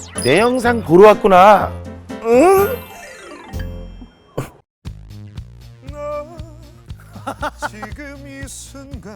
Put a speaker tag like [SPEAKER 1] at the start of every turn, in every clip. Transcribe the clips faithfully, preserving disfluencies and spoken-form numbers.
[SPEAKER 1] 내 영상 보러 왔구나. 응?
[SPEAKER 2] 지금 이 순간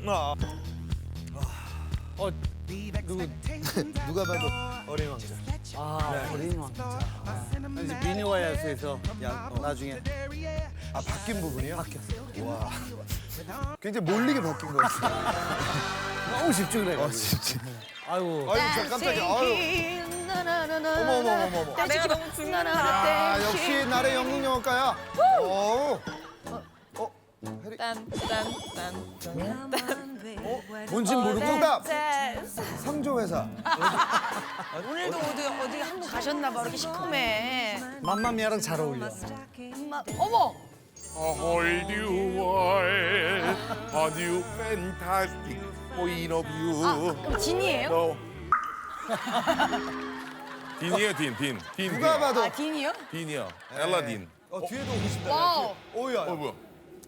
[SPEAKER 3] 어, 누구
[SPEAKER 2] 누가 봐도 어린 왕자.
[SPEAKER 3] 아, 어린 왕자. 이제 미녀와 야수에서 야, 어, 나중에
[SPEAKER 2] 아 바뀐 부분이요? 바뀌었어. 와. 굉장히 몰리게 바뀐 것 같아.
[SPEAKER 3] 너무 집중을 해.
[SPEAKER 2] 어 진짜.
[SPEAKER 3] 아이고.
[SPEAKER 2] 아유 저 깜짝이야. 아유. 어머 어머 어머 어머.
[SPEAKER 4] 아, 내가 너무 죽는다.
[SPEAKER 2] 아 역시 나의 영국 영어과야. 오. 어. 해리.
[SPEAKER 3] 뭔진 모르고.
[SPEAKER 2] 정답. 상조회사.
[SPEAKER 4] 오늘도 어디 어디 한 번 가셨나 봐. 이렇게 시커매.
[SPEAKER 3] 맘마미아랑 잘 어울려.
[SPEAKER 4] 엄마, 어머.
[SPEAKER 1] A whole new world, a new fantastic point of view.
[SPEAKER 4] 그럼 진이에요?
[SPEAKER 1] 너. 딘이에요, 딘, 딘. 딘,
[SPEAKER 2] 누가
[SPEAKER 1] 딘.
[SPEAKER 2] 봐도.
[SPEAKER 4] 아, 딘이요?
[SPEAKER 1] 딘이요. 엘라딘.
[SPEAKER 2] 어 뒤에도 오고 싶다.
[SPEAKER 4] 와우.
[SPEAKER 2] 오야.
[SPEAKER 1] 어, 뭐야?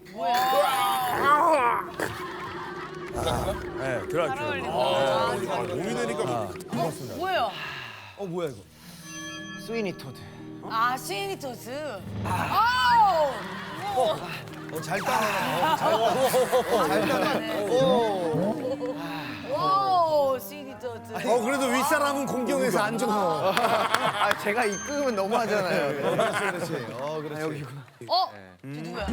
[SPEAKER 3] 네, 드라큘라.
[SPEAKER 1] 아, 몸이 되니까 뭐.
[SPEAKER 4] 뭐예요?
[SPEAKER 2] 어 뭐야 이거? 스위니 토드.
[SPEAKER 4] 아, 스위니토스. 아우.
[SPEAKER 2] 어잘 따라. 잘 따라. 오.
[SPEAKER 4] 와우, 스위니토스.
[SPEAKER 3] 어, 그래도 윗사람은 공경에서 안 줘서.
[SPEAKER 5] 아 제가 이끄면 너무하잖아요.
[SPEAKER 2] 그렇지 그렇지. 어 그렇지. 여기.
[SPEAKER 4] 어? 저 누구야?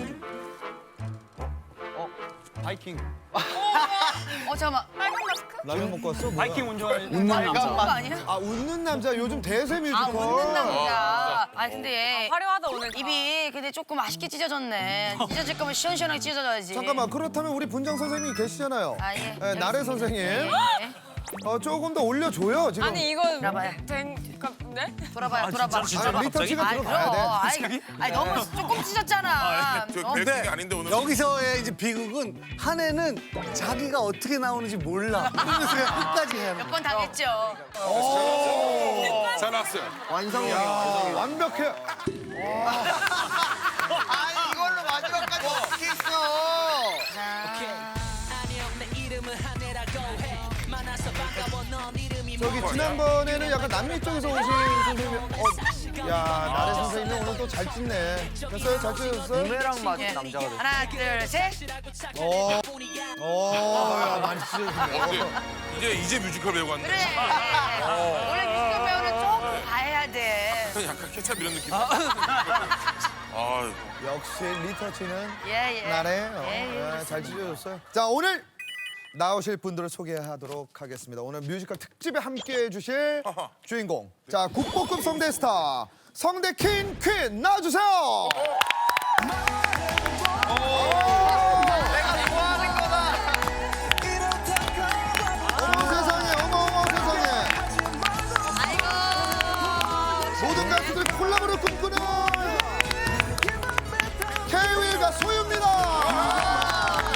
[SPEAKER 3] 바이킹.
[SPEAKER 4] 어, 잠깐만. 빨간 마스크?
[SPEAKER 2] 라면 먹고 왔어? 뭐야?
[SPEAKER 3] 바이킹 운전하는
[SPEAKER 5] 웃는
[SPEAKER 4] 그거
[SPEAKER 5] 남자.
[SPEAKER 4] 아니야?
[SPEAKER 2] 아 웃는 남자 요즘 대세 뮤지컬.
[SPEAKER 4] 아, 웃는 남자. 아, 근데
[SPEAKER 6] 화려하다 오늘.
[SPEAKER 4] 입이 근데 조금 아쉽게 찢어졌네. 찢어질 거면 시원시원하게 찢어져야지.
[SPEAKER 2] 잠깐만 그렇다면 우리 분장 선생님이 계시잖아요.
[SPEAKER 4] 아, 예.
[SPEAKER 2] 네, 나래 선생님.
[SPEAKER 4] 예.
[SPEAKER 2] 어 조금 더 올려줘요 지금.
[SPEAKER 6] 아니 이거
[SPEAKER 4] 돌아봐요.
[SPEAKER 6] 된 그러니까 네?
[SPEAKER 4] 돌아봐요, 돌아봐.
[SPEAKER 2] 아니, 리터치가
[SPEAKER 4] 아이,
[SPEAKER 2] 들어가야 돼.
[SPEAKER 4] 아이, 아이, 너무 조금 찢었잖아.
[SPEAKER 1] 저
[SPEAKER 4] 어?
[SPEAKER 1] 계획이 아닌데 오늘.
[SPEAKER 3] 여기서의 이제 비극은 한 해는 자기가 어떻게 나오는지 몰라. 그러면서 그냥 끝까지 해야 하는
[SPEAKER 4] 몇 번 당했죠.
[SPEAKER 1] 잘 나왔어요.
[SPEAKER 5] 완성형이야.
[SPEAKER 2] 아, 완벽해.
[SPEAKER 5] 아 이걸로 마지막까지 어떻게 있어?
[SPEAKER 2] 저기 지난번에는 약간 남미 쪽에서 오신 선생님. 어, 야 나래 선생님이 오늘 또 잘 찢네. 됐어요? 잘 찢어졌어요?
[SPEAKER 5] 부메랑 맞은
[SPEAKER 4] 예.
[SPEAKER 5] 남자가 됐어.
[SPEAKER 4] 하나, 둘, 셋.
[SPEAKER 2] 어. 어, 야 많이 찢어졌네.
[SPEAKER 1] 어, 근데 이제 이제 뮤지컬 배우 같네.
[SPEAKER 4] 그래. 원래 뮤지컬 배우는 조금 봐야 돼.
[SPEAKER 1] 약간 케찹 이런 느낌. 아,
[SPEAKER 2] 역시 리터치는
[SPEAKER 4] 예, 예.
[SPEAKER 2] 나래. 어,
[SPEAKER 4] 예, 예,
[SPEAKER 2] 예, 잘 찢어졌어요. 자 오늘 나오실 분들을 소개하도록 하겠습니다. 오늘 뮤지컬 특집에 함께해 주실 주인공. 자 국보급 성대 스타 성대 킹 퀸 나와주세요.
[SPEAKER 5] 내가 좋아하는 거다.
[SPEAKER 2] 어머 세상에 어머 어머 세상에
[SPEAKER 4] 아이고.
[SPEAKER 2] 모든 가수들이 콜라보를 꿈꾸는 케이윌과 소유입니다.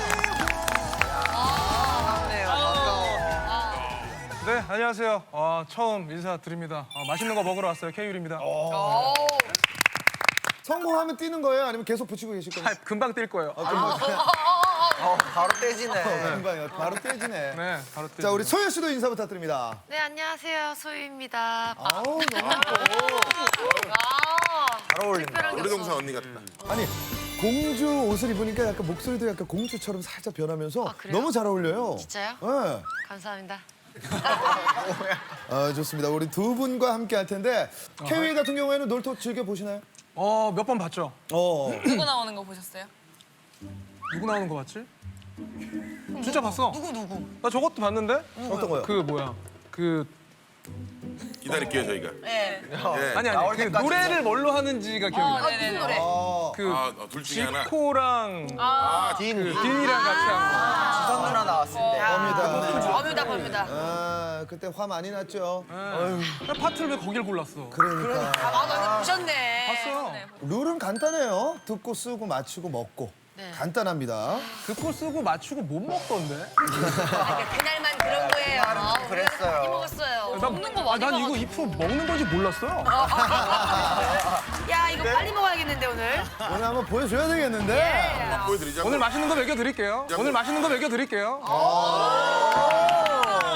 [SPEAKER 7] 네, 안녕하세요. 어, 처음 인사드립니다. 어, 맛있는 거 먹으러 왔어요. 케이윌입니다.
[SPEAKER 4] 오.
[SPEAKER 2] 성공하면 뛰는 거예요? 아니면 계속 붙이고 계실
[SPEAKER 7] 아,
[SPEAKER 2] 거예요?
[SPEAKER 7] 금방 뛸 거예요.
[SPEAKER 5] 어, 바로 떼지네.
[SPEAKER 2] 금방요. 바로 떼지네.
[SPEAKER 7] 네, 바로 뛸
[SPEAKER 2] 자 우리 소유 씨도 인사 부탁드립니다.
[SPEAKER 4] 네, 안녕하세요. 소유입니다.
[SPEAKER 2] 아우 너무 예뻐.
[SPEAKER 5] 잘 어울린다.
[SPEAKER 1] 우리 동생 언니 같다.
[SPEAKER 2] 아니 공주 옷을 입으니까 약간 목소리도 약간 공주처럼 살짝 변하면서
[SPEAKER 4] 아, 그래요?
[SPEAKER 2] 너무 잘 어울려요.
[SPEAKER 4] 진짜요?
[SPEAKER 2] 네.
[SPEAKER 4] 감사합니다.
[SPEAKER 2] 아, 좋습니다. 우리 두 분과 함께 할 텐데 케이윌 같은 경우에는 놀토 즐겨 보시나요?
[SPEAKER 7] 어, 몇 번 봤죠?
[SPEAKER 2] 어.
[SPEAKER 6] 누구 나오는 거 보셨어요?
[SPEAKER 7] 누구 나오는 거 봤지? 진짜 봤어.
[SPEAKER 4] 누구 누구?
[SPEAKER 7] 나 저것도 봤는데?
[SPEAKER 2] 어떤 거요?
[SPEAKER 7] 그 뭐야? 그
[SPEAKER 1] 기다릴게요 저희가.
[SPEAKER 4] 네.
[SPEAKER 1] 예.
[SPEAKER 7] 아니
[SPEAKER 5] 나올
[SPEAKER 7] 아니 그
[SPEAKER 5] 때까지
[SPEAKER 7] 노래를 뭘로 하는지가 기억이
[SPEAKER 4] 아,
[SPEAKER 7] 나.
[SPEAKER 4] 무슨 노래?
[SPEAKER 2] 아,
[SPEAKER 7] 그
[SPEAKER 1] 아, 어, 둘 중에 하나.
[SPEAKER 7] 지코랑
[SPEAKER 1] 아,
[SPEAKER 5] 딘.
[SPEAKER 7] 그 딘이랑 같이 한
[SPEAKER 5] 지선 누나 나왔을 때.
[SPEAKER 2] 겁니다.
[SPEAKER 4] 범유다, 범유다.
[SPEAKER 2] 아, 그때 화 많이 났죠.
[SPEAKER 7] 거. 나 파트를 왜 거길 골랐어?
[SPEAKER 2] 그러니까
[SPEAKER 4] 아, 맞아. 보셨네.
[SPEAKER 7] 봤어.
[SPEAKER 2] 룰은 간단해요. 듣고 쓰고 맞추고 먹고
[SPEAKER 4] 네.
[SPEAKER 2] 간단합니다.
[SPEAKER 7] 듣고 쓰고 맞추고 못 먹던데?
[SPEAKER 4] 아, 그날만 그런 거예요. 아, 우리가
[SPEAKER 5] 그랬어요.
[SPEAKER 4] 많이 먹었어요.
[SPEAKER 7] 난,
[SPEAKER 6] 먹는 거
[SPEAKER 7] 아,
[SPEAKER 6] 많이
[SPEAKER 7] 난 이거
[SPEAKER 6] 봐가지고.
[SPEAKER 7] 이 프로 먹는 건지 몰랐어요.
[SPEAKER 4] 야, 이거 빨리 먹어야겠는데 오늘.
[SPEAKER 2] 오늘 한번 보여줘야 되겠는데.
[SPEAKER 4] 예.
[SPEAKER 1] 보여드리자고.
[SPEAKER 7] 오늘 맛있는 거 먹여드릴게요. 오늘 맛있는 거 먹여드릴게요.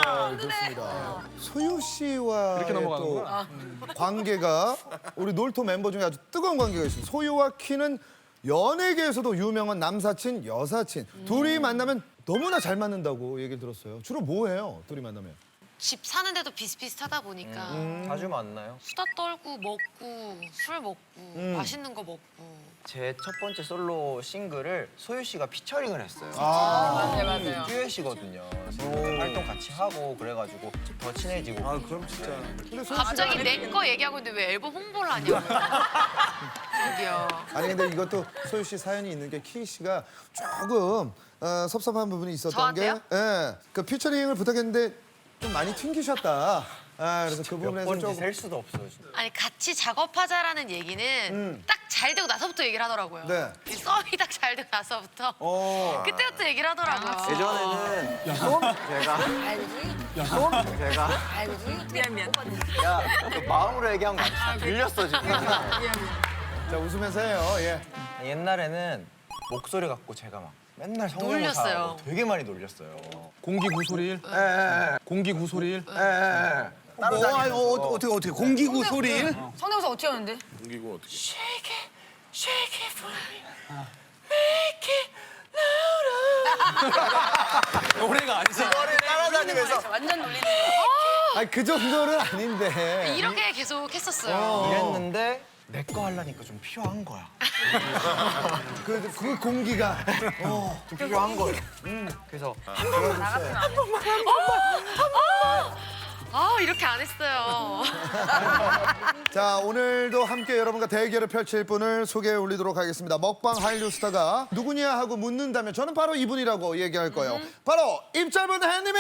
[SPEAKER 2] 좋습니다. 소유 씨와
[SPEAKER 7] 이렇게 넘어가는구나.
[SPEAKER 2] 또 관계가 우리 놀토 멤버 중에 아주 뜨거운 관계가 있습니다. 소유와 키는 연예계에서도 유명한 남사친, 여사친. 둘이 만나면 너무나 잘 맞는다고 얘기를 들었어요. 주로 뭐 해요? 둘이 만나면?
[SPEAKER 8] 집 사는데도 비슷비슷하다 보니까
[SPEAKER 2] 음.
[SPEAKER 5] 자주 만나요.
[SPEAKER 8] 수다 떨고 먹고 술 먹고
[SPEAKER 2] 음.
[SPEAKER 8] 맛있는 거 먹고.
[SPEAKER 5] 제 첫 번째 솔로 싱글을 소유 씨가 피처링을 했어요.
[SPEAKER 2] 아,
[SPEAKER 6] 네, 맞아요.
[SPEAKER 5] 듀엣이거든요. 그래서 활동 같이 하고 그래가지고 더 친해지고.
[SPEAKER 3] 아 그럼 진짜.
[SPEAKER 2] 근데 소유
[SPEAKER 8] 갑자기
[SPEAKER 2] 씨가-
[SPEAKER 8] 내 거 얘기하고 있는데 왜 앨범 홍보를 하냐고. 저기요.
[SPEAKER 2] 아니 근데 이것도 소유 씨 사연이 있는 게 키 씨가 조금 어, 섭섭한 부분이 있었던 게,
[SPEAKER 8] 저한테요?
[SPEAKER 2] 예, 그 피처링을 부탁했는데 좀 많이 튕기셨다. 아, 그래서 그
[SPEAKER 5] 몇
[SPEAKER 2] 부분에서
[SPEAKER 5] 번인지
[SPEAKER 2] 조금
[SPEAKER 5] 셀 수도 없어요. 진짜.
[SPEAKER 8] 아니 같이 작업하자라는 얘기는
[SPEAKER 2] 음.
[SPEAKER 8] 딱 잘 되고 나서부터 얘기를 하더라고요.
[SPEAKER 2] 네.
[SPEAKER 8] 이 썸이 딱 잘 되고 나서부터
[SPEAKER 2] 어.
[SPEAKER 8] 그때부터 얘기를 하더라고요.
[SPEAKER 5] 예전에는 제가 제가
[SPEAKER 6] 미안 미안.
[SPEAKER 5] 야, 그 마음으로 얘기한 거 아니야? 들렸어 지금.
[SPEAKER 2] 자 웃으면서 해요. 예.
[SPEAKER 5] 옛날에는 목소리 갖고 제가 막 맨날 성대모사
[SPEAKER 8] 놀렸어요.
[SPEAKER 5] 하고 되게 많이 놀렸어요.
[SPEAKER 7] 공기 구소리일.
[SPEAKER 5] 예,
[SPEAKER 7] 공기 구소리일.
[SPEAKER 5] 예, 예. 따로
[SPEAKER 3] 뭐, 아니,
[SPEAKER 5] 다니면서.
[SPEAKER 3] 어, 어떻게 어떻게 공기구 소리?
[SPEAKER 6] 성대모사 어떻게 하는데?
[SPEAKER 1] 공기고 어떻게?
[SPEAKER 8] Shake it, shake it for me, make it louder.
[SPEAKER 7] 노래가 아니잖아.
[SPEAKER 5] 이거를 따라다니면서
[SPEAKER 6] 완전 놀리는 거.
[SPEAKER 2] 아니 그 정도는 아닌데.
[SPEAKER 8] 이렇게 계속 했었어요.
[SPEAKER 5] 이랬는데 내 거 하려니까 좀 필요한 거야.
[SPEAKER 2] 그, 그 공기가.
[SPEAKER 5] 좀 필요한 거예요. 그래서
[SPEAKER 8] 아 이렇게 안 했어요.
[SPEAKER 2] 자 오늘도 함께 여러분과 대결을 펼칠 분을 소개해 올리도록 하겠습니다. 먹방 한류 스타가 누구냐 하고 묻는다면 저는 바로 이분이라고 얘기할 거예요. 바로 입짧은 햇님이.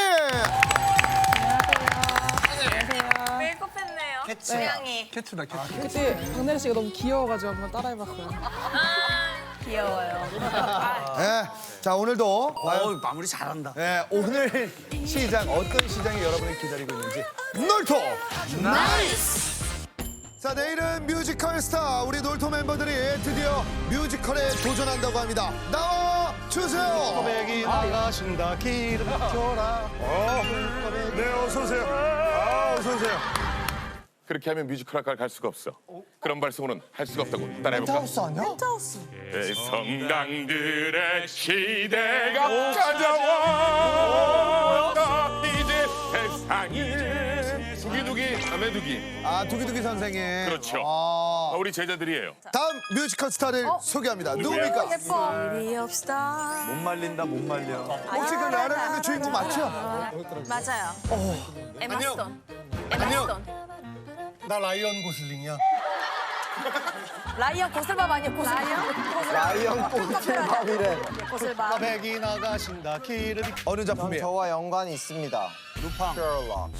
[SPEAKER 6] 메이크업 했네요.
[SPEAKER 5] 캐치.
[SPEAKER 6] 고양이.
[SPEAKER 7] 캐트다 캐트.
[SPEAKER 9] 그때 박나래 씨가 너무 귀여워가지고 한번 따라해봤어요.
[SPEAKER 6] 귀여워요.
[SPEAKER 2] 예. 자 오늘도 과연
[SPEAKER 3] 어 마무리 잘한다.
[SPEAKER 2] 예, 오늘 시장 어떤 시장이 여러분을 기다리고 있는지 놀토 나이스! 자 내일은 뮤지컬 스타 우리 놀토 멤버들이 드디어 뮤지컬에 도전한다고 합니다. 나와 주세요.
[SPEAKER 3] 고백이 나가신다 기름 줘라.
[SPEAKER 1] 네, 어서 오세요. 아, 어서 오세요. 그렇게 하면 뮤지컬 학과를 갈 수가 없어. 그런 발성으로는 할 수가 없다고. 따라해볼까?
[SPEAKER 3] 펜트하우스 아니야?
[SPEAKER 1] 네, 성당들의 시대가 찾아왔다. 이제 세상이 두기두기 아메두기.
[SPEAKER 2] 아 두기두기 선생님.
[SPEAKER 1] 그렇죠.
[SPEAKER 2] 아,
[SPEAKER 1] 아, 우리 제자들이에요.
[SPEAKER 2] 다음 뮤지컬 스타를 소개합니다. 누굽니까?
[SPEAKER 3] 못 말린다 못 말려.
[SPEAKER 2] 혹시 그 라라랜드 주인공 맞죠?
[SPEAKER 6] 맞아요. 에마 스톤. 에마
[SPEAKER 3] 안녕.
[SPEAKER 6] 스톤.
[SPEAKER 3] 나 라이언 고슬링이야.
[SPEAKER 6] 라이언 고슬밥 아니야? 고슬밥.
[SPEAKER 5] 라이언 꼬슬밥이래.
[SPEAKER 6] 고슬밥.
[SPEAKER 3] 고백이 나가신다 기름.
[SPEAKER 2] 어느 작품이에요?
[SPEAKER 5] 저와 연관이 있습니다. 루팡. 셜록.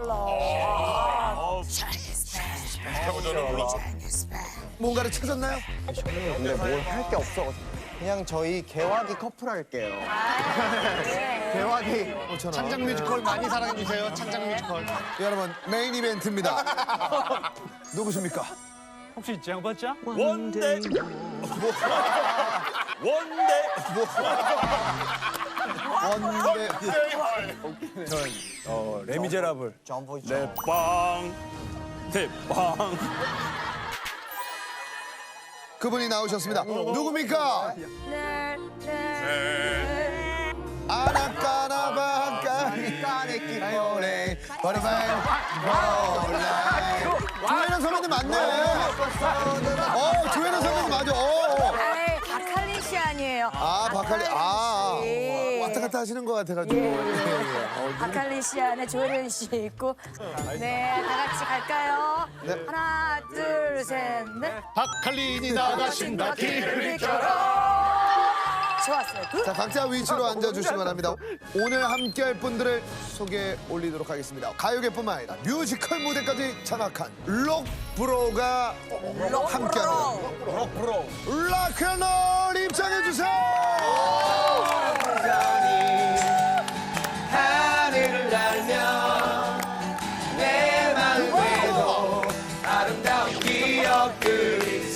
[SPEAKER 2] 뭔가를 찾았나요?
[SPEAKER 5] 근데 뭘 할 게 없어. 그냥 저희 개화기 커플 할게요. 개화기.
[SPEAKER 3] 창작 뮤지컬 많이 사랑해 주세요. 창작 뮤지컬.
[SPEAKER 2] 여러분 메인 이벤트입니다. 누구십니까?
[SPEAKER 7] 혹시 짱봤자?
[SPEAKER 1] 원대. 원대.
[SPEAKER 2] 원대
[SPEAKER 3] 어 레미제라블.
[SPEAKER 5] 점프
[SPEAKER 1] 빵. 대빵.
[SPEAKER 2] 그분이 나오셨습니다. 누굽니까?
[SPEAKER 6] 네.
[SPEAKER 2] 아나까나바까니 까네끼꼬네 버리바이 몰라이 조혜련 선배님 맞네. 어 조혜련 선배님 맞아. 어.
[SPEAKER 6] 에이, 박할린 씨 아니에요.
[SPEAKER 2] 아 박할리 아
[SPEAKER 6] 예.
[SPEAKER 2] 왔다 갔다 하시는 것 같아가지고. 예, 예. 어,
[SPEAKER 6] 박할린 씨 안에 조혜련 씨 있고. 네, 다 같이 갈까요?
[SPEAKER 2] 네.
[SPEAKER 6] 하나, 둘, 셋, 넷.
[SPEAKER 3] 박할린이 나가신다 기름
[SPEAKER 6] 좋았어요. 굿.
[SPEAKER 2] 자 각자 위치로 앉아주시기 바랍니다. 오늘 함께할 분들을 소개해 올리도록 하겠습니다. 가요계뿐만 아니라 뮤지컬 무대까지 장악한 록브로가 함께하는 록브로 락앤롤 입장해주세요.
[SPEAKER 5] 하늘을 날며 내 마음에도 아름다운 기억들이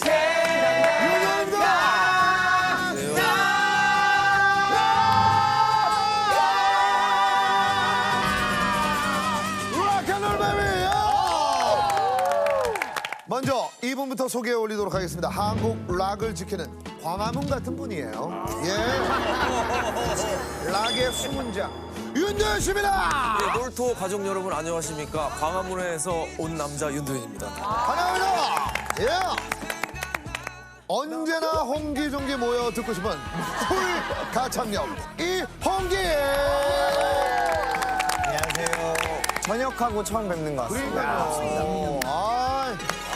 [SPEAKER 2] 먼저 이분부터 소개해 올리도록 하겠습니다. 한국 락을 지키는 광화문 같은 분이에요. 예. 락의 수문장 윤도현 씨입니다.
[SPEAKER 10] 네, 놀토 가족 여러분 안녕하십니까. 광화문에서 온 남자 윤도현입니다.
[SPEAKER 2] 반갑습니다. 예. 언제나 홍기종기 모여 듣고 싶은 풀 가창력 이홍기.
[SPEAKER 5] 안녕하세요. 전역하고 처음 뵙는 것 같습니다.
[SPEAKER 2] 그러니까요. 아.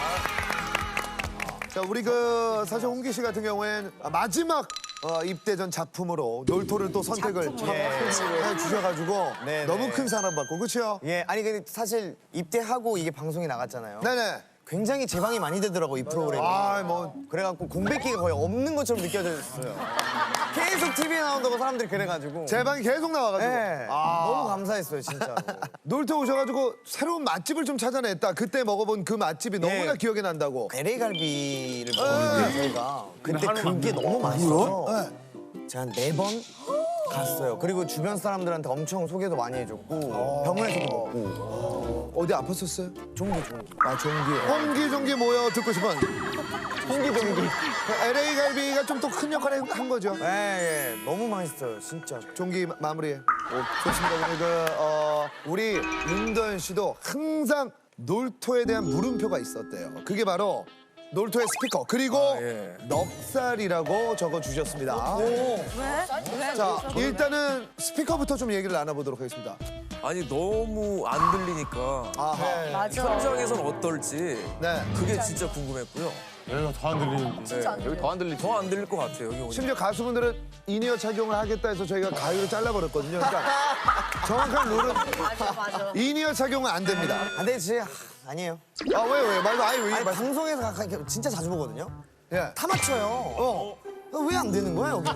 [SPEAKER 2] 자, 우리 그 사실 홍기 씨 같은 경우엔 마지막 어, 입대 전 작품으로 놀토를 또 선택을 해 주셔가지고
[SPEAKER 5] 네,
[SPEAKER 2] 너무
[SPEAKER 5] 네.
[SPEAKER 2] 큰 사랑받고 그렇죠?
[SPEAKER 5] 예, 아니 근데 사실 입대하고 이게 방송이 나갔잖아요.
[SPEAKER 2] 네네.
[SPEAKER 5] 굉장히 재방이 많이 되더라고 이 프로그램이.
[SPEAKER 2] 아, 뭐
[SPEAKER 5] 그래갖고 공백기가 거의 없는 것처럼 느껴졌어요. 계속 티비에 나온다고 사람들이 그래가지고.
[SPEAKER 2] 제 방이 계속 나와가지고
[SPEAKER 5] 네,
[SPEAKER 2] 아.
[SPEAKER 5] 너무 감사했어요 진짜로.
[SPEAKER 2] 놀토 오셔가지고 새로운 맛집을 좀 찾아냈다. 그때 먹어본 그 맛집이 너무나 기억에 난다고.
[SPEAKER 5] 엘에이 갈비를 먹었는데 저희가 그때 그게 너무 맛있어서 제가 한 네 번 갔어요. 그리고 주변 사람들한테 엄청 소개도 많이 해줬고 병원에서도 먹고.
[SPEAKER 2] 어디 아팠었어요?
[SPEAKER 5] 종기 종기.
[SPEAKER 2] 아, 종기. 홍기 종기 모여 듣고 싶은
[SPEAKER 5] 종기 종기.
[SPEAKER 2] 엘에이 갈비가 좀 더 큰 역할을 한 거죠.
[SPEAKER 5] 예, 예, 너무 맛있어요 진짜.
[SPEAKER 2] 종기 마- 마무리해. 좋습니다. 우리 그 어, 우리 윤도현 씨도 항상 놀토에 대한 물음표가 있었대요. 그게 바로 놀토의 스피커 그리고
[SPEAKER 10] 예.
[SPEAKER 2] 넉살이라고 적어 주셨습니다.
[SPEAKER 6] 왜?
[SPEAKER 2] 자, 일단은 스피커부터 좀 얘기를 나눠보도록 하겠습니다.
[SPEAKER 10] 아니 너무 안 들리니까
[SPEAKER 2] 아하.
[SPEAKER 6] 맞아.
[SPEAKER 10] 현장에선 어떨지
[SPEAKER 2] 네.
[SPEAKER 10] 그게 진짜 궁금했고요. 여기가 더 안 들리는데. 여기 더 안 들리. 더 안 들릴 것 같아요. 여기 오니까.
[SPEAKER 2] 심지어 가수분들은 인이어 착용을 하겠다 해서 저희가 가위로 잘라버렸거든요. 그러니까 정확한 룰은
[SPEAKER 6] 맞아, 맞아.
[SPEAKER 2] 인이어 착용은 안 됩니다.
[SPEAKER 5] 아, 근데 진짜 하, 아니에요.
[SPEAKER 2] 아, 왜요, 왜요? 말도 아예 왜?
[SPEAKER 5] 아니
[SPEAKER 2] 말...
[SPEAKER 5] 방송에서 가끔 이렇게 진짜 자주 보거든요.
[SPEAKER 2] 예.
[SPEAKER 5] 다 맞춰요.
[SPEAKER 2] 어.
[SPEAKER 5] 왜 안 되는 거야 여기는?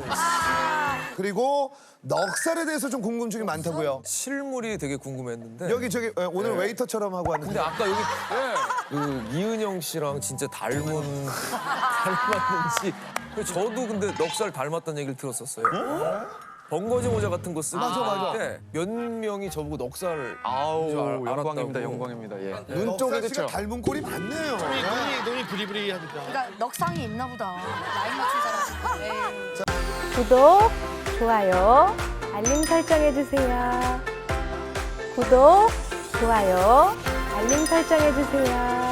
[SPEAKER 2] 그리고 넉살에 대해서 좀 궁금증이 많다고요.
[SPEAKER 10] 실물이 되게 궁금했는데.
[SPEAKER 2] 여기 저기 어, 오늘
[SPEAKER 10] 네.
[SPEAKER 2] 웨이터처럼 하고
[SPEAKER 10] 근데
[SPEAKER 2] 왔는데
[SPEAKER 10] 아까 여기 그 이은영 씨랑 진짜 닮은 닮았는지. 저도 근데 넉살 닮았다는 얘기를 들었었어요. 번거지 모자 같은 거 쓰고
[SPEAKER 2] 맞아, 맞아.
[SPEAKER 10] 있는데 몇 명이 저보고 넉살
[SPEAKER 7] 아우
[SPEAKER 10] 줄 알-
[SPEAKER 7] 영광입니다,
[SPEAKER 10] 알았다고.
[SPEAKER 7] 영광입니다. 예.
[SPEAKER 2] 눈 쪽에 씨가 닮은 꼴이 많네요.
[SPEAKER 6] 그러니까 넉상이 있나 보다. 나이 맞춘 사람. 에이.
[SPEAKER 11] 구독, 좋아요, 알림 설정해주세요. 구독, 좋아요, 알림 설정해주세요.